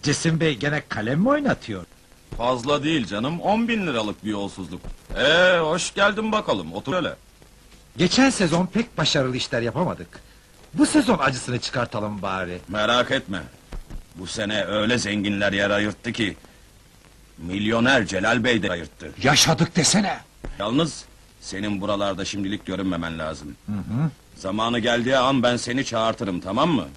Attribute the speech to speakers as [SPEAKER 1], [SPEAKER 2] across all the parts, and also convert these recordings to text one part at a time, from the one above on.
[SPEAKER 1] Cesim Bey gene kalem mi oynatıyor?
[SPEAKER 2] Fazla değil canım, 10.000 liralık bir yolsuzluk. Hoş geldin bakalım, otur hele.
[SPEAKER 1] Geçen sezon pek başarılı işler yapamadık. Bu sezon acısını çıkartalım bari.
[SPEAKER 2] Merak etme. Bu sene öyle zenginler yer ayırttı ki... ...Milyoner Celal Bey de ayırttı.
[SPEAKER 1] Yaşadık desene!
[SPEAKER 2] Yalnız, senin buralarda şimdilik görünmemen lazım. Zamanı geldiği an ben seni çağırtırım, tamam mı?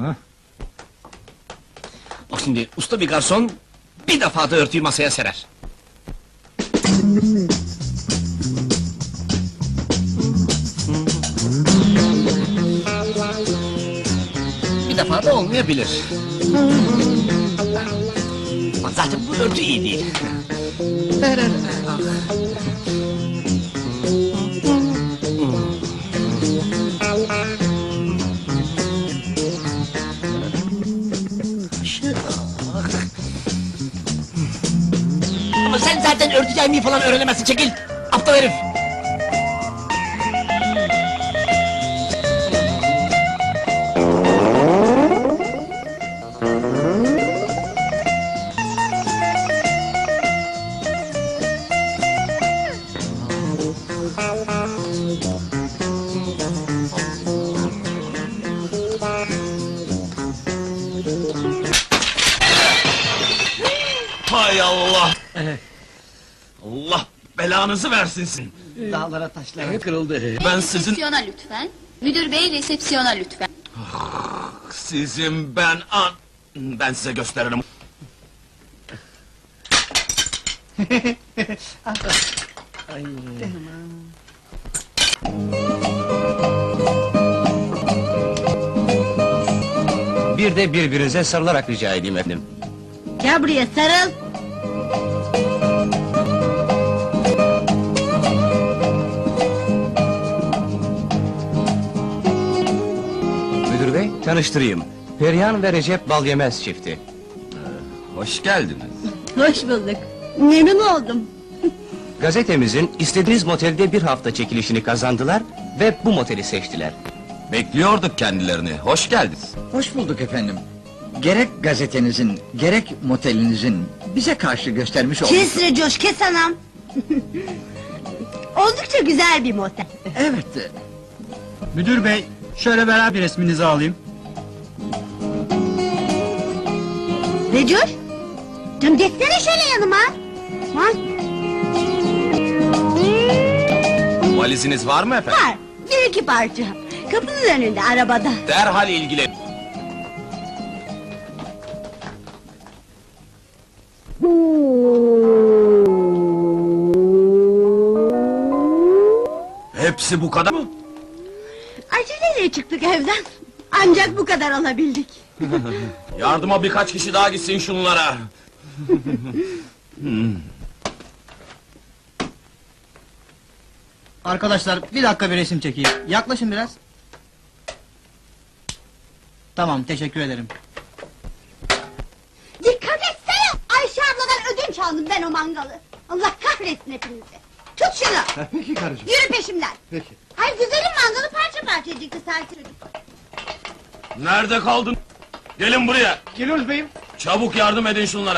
[SPEAKER 3] Bak şimdi, usta bir garson... ...bir defa da örtüyü masaya serer. Bir defa da olmayabilir. Ama zaten bu örtü iyi değil. Ama sen zaten örtü yaymayı falan öğrenemezsin, çekil! Aptal herif!
[SPEAKER 2] Hay Allah! Allah belanızı versin sizin!
[SPEAKER 3] Dağlara taşlara kırıldı.
[SPEAKER 2] Ben sizin...
[SPEAKER 4] Resepsiyona lütfen. Müdür bey resepsiyona lütfen.
[SPEAKER 2] Sizin ben size gösteririm.
[SPEAKER 3] Bir de birbirinize sarılarak rica edeyim efendim.
[SPEAKER 4] Gel buraya sarıl.
[SPEAKER 3] Müdür bey, tanıştırayım. Perihan ve Recep Balyemez çifti.
[SPEAKER 2] Hoş geldiniz.
[SPEAKER 4] Hoş bulduk. Memnun oldum.
[SPEAKER 3] Gazetemizin istediğiniz motelde bir hafta çekilişini kazandılar ve bu moteli seçtiler.
[SPEAKER 2] Bekliyorduk kendilerini, hoş geldiniz.
[SPEAKER 5] Hoş bulduk efendim. Gerek gazetenizin, gerek motelinizin bize karşı göstermiş olduğu...
[SPEAKER 4] Kes Recoş, kes anam. Oldukça güzel bir motel.
[SPEAKER 5] Evet,
[SPEAKER 6] Müdür bey, şöyle beraber bir resminizi alayım.
[SPEAKER 4] Recoş, canım geçsene şöyle yanıma. Ha?
[SPEAKER 2] Valiziniz var mı efendim?
[SPEAKER 4] Var, bir iki parça. Kapının önünde, arabada.
[SPEAKER 2] Derhal ilgilen. Hepsi bu kadar mı?
[SPEAKER 4] Aceleyle çıktık evden. Ancak bu kadar alabildik.
[SPEAKER 2] Yardıma birkaç kişi daha gitsin şunlara.
[SPEAKER 6] Arkadaşlar, bir dakika bir resim çekeyim. Yaklaşın biraz. Tamam, teşekkür ederim.
[SPEAKER 4] Dikkat etsene! Ayşe abladan ödünç aldım ben o mangalı. Allah kahretsin hepinizi. Tut şunu!
[SPEAKER 5] peki karıcığım.
[SPEAKER 4] Yürü peşimden!
[SPEAKER 5] Peki.
[SPEAKER 4] Hayır güzelim mangalı parça parça yiyecekti sanki çocuk.
[SPEAKER 2] Nerede kaldın? Gelin buraya.
[SPEAKER 6] Geliyoruz beyim.
[SPEAKER 2] Çabuk yardım edin şunlara.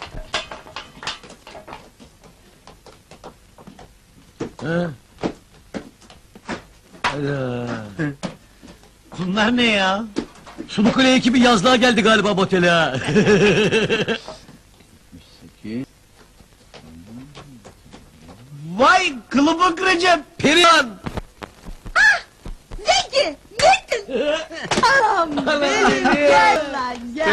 [SPEAKER 3] Bunlar ne ya? Sulukule ekibi yazlığa geldi galiba motele ha. Vay kılıbık Recep, Perihan!
[SPEAKER 4] Zeki! Yettin! Anam benim gel lan gel!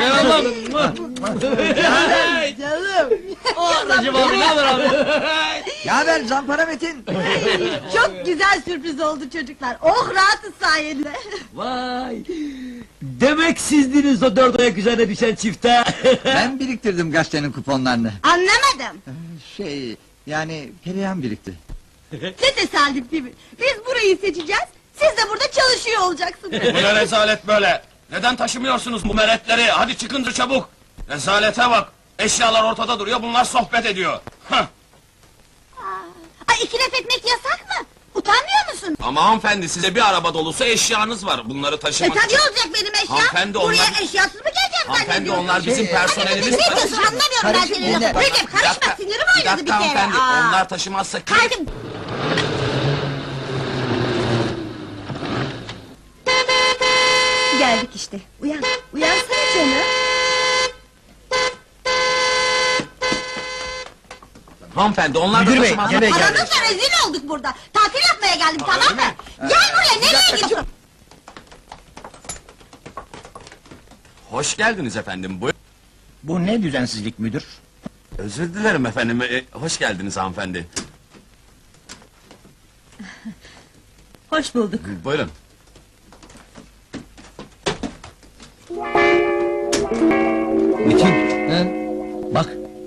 [SPEAKER 3] Hey!
[SPEAKER 4] Canım!
[SPEAKER 3] Recep abi ne haber abi?
[SPEAKER 5] Yaver Zampara Metin!
[SPEAKER 4] Çok güzel sürpriz oldu çocuklar. Oh rahatız sayende.
[SPEAKER 3] Vay! Demek sizdiniz o dört ayak üzerine düşen çifte.
[SPEAKER 5] Ben biriktirdim gazetenin kuponlarını.
[SPEAKER 4] Anlamadım.
[SPEAKER 5] Yani Perihan birikti.
[SPEAKER 4] Ne tesadüf değil mi? Biz burayı seçeceğiz. Siz de burada çalışıyor olacaksınız.
[SPEAKER 2] Bu ne rezalet böyle? Neden taşımıyorsunuz bu meretleri? Hadi çıkın çabuk! Rezalete bak! Eşyalar ortada duruyor, bunlar sohbet ediyor. Hah!
[SPEAKER 4] Ay iki laf etmek yasak mı? Utanmıyor musun?
[SPEAKER 2] Ama hanımefendi, size bir araba dolusu eşyanız var. Bunları taşımak
[SPEAKER 4] Tabii olacak benim eşya.
[SPEAKER 2] Hanımefendi,
[SPEAKER 4] Buraya
[SPEAKER 2] onlar-
[SPEAKER 4] eşyasız mı geleceğim
[SPEAKER 2] Hanımefendi
[SPEAKER 4] zannediyorsun?
[SPEAKER 2] onlar bizim personelimiz.
[SPEAKER 4] Ne diyorsun anlamıyorum ben
[SPEAKER 5] Karışma,
[SPEAKER 4] senin lafını.
[SPEAKER 5] dinle.
[SPEAKER 4] Recep karışma sinirim
[SPEAKER 2] Bir
[SPEAKER 4] oynadı bir
[SPEAKER 2] dakika
[SPEAKER 4] kere.
[SPEAKER 2] hanımefendi.
[SPEAKER 4] Aa.
[SPEAKER 2] Onlar taşımazsa kim?
[SPEAKER 4] Kaydım.
[SPEAKER 7] Geldik işte. Uyan. Uyansana canım.
[SPEAKER 2] Hanımefendi onlar da
[SPEAKER 5] Müdür bey,
[SPEAKER 2] taşımazsa...
[SPEAKER 5] gene geldik.
[SPEAKER 4] Aranızda rezil olduk burada. Tatil yapmaya geldim tamam mı? Gel buraya nereye gidiyorsun?
[SPEAKER 2] Hoş geldiniz efendim. Buyurun.
[SPEAKER 6] Bu ne düzensizlik müdür?
[SPEAKER 2] Özür dilerim efendim. Hoş geldiniz hanımefendi.
[SPEAKER 7] Hoş bulduk.
[SPEAKER 2] Buyurun.
[SPEAKER 5] Metin, bak.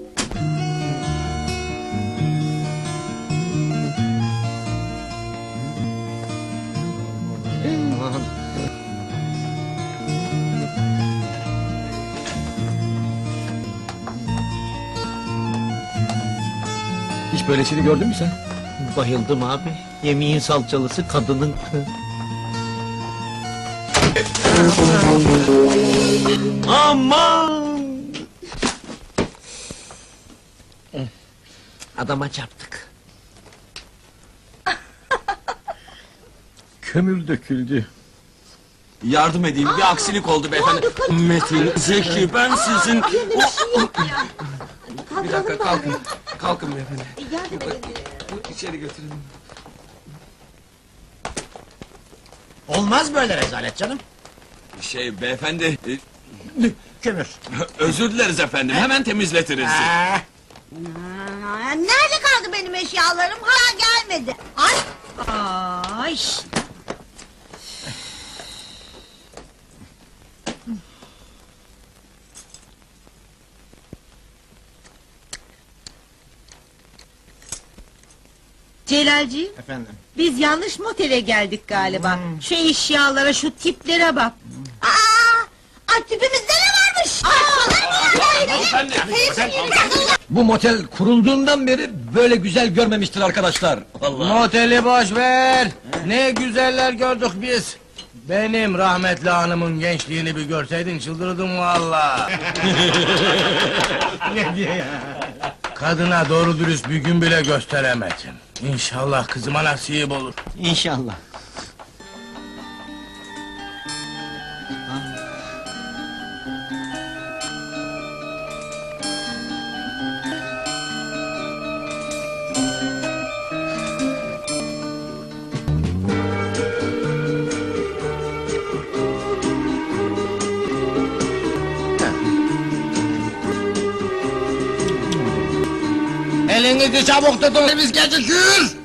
[SPEAKER 8] Hiç böylesini gördün mü sen? Bayıldım abi. Yemeğin salçalısı kadının. Aman! Adama çarptık.
[SPEAKER 6] Kömür döküldü.
[SPEAKER 2] Yardım edeyim. Bir aksilik oldu beyefendi. Metin, Zeki ben sizin... Bir dakika kalkın. Kalkın beyefendi. İçeri götürelim.
[SPEAKER 8] Olmaz böyle rezalet canım.
[SPEAKER 2] Beyefendi...
[SPEAKER 8] Kömür.
[SPEAKER 2] Özür dileriz efendim. Hemen temizletiriz.
[SPEAKER 4] Aa, nerede kaldı benim eşyalarım? Hala gelmedi. Ay. Ay.
[SPEAKER 7] Celalciğim,
[SPEAKER 8] Efendim.
[SPEAKER 7] biz yanlış motele geldik galiba. Şu eşyalara, şu tiplere bak.
[SPEAKER 4] Aa, tipimizde ne varmış? Ay,
[SPEAKER 2] Hanımefendi.
[SPEAKER 5] Bu motel kurulduğundan beri böyle güzel görmemiştir arkadaşlar.
[SPEAKER 9] Moteli boş ver. Ne güzeller gördük biz. Benim rahmetli hanımın gençliğini bir görseydin çıldırdım valla. Kadına doğru dürüst bir gün bile gösteremedim. İnşallah kızıma nasip olur.
[SPEAKER 8] İnşallah.
[SPEAKER 9] Elinizi çabuk tutun biz gecikir.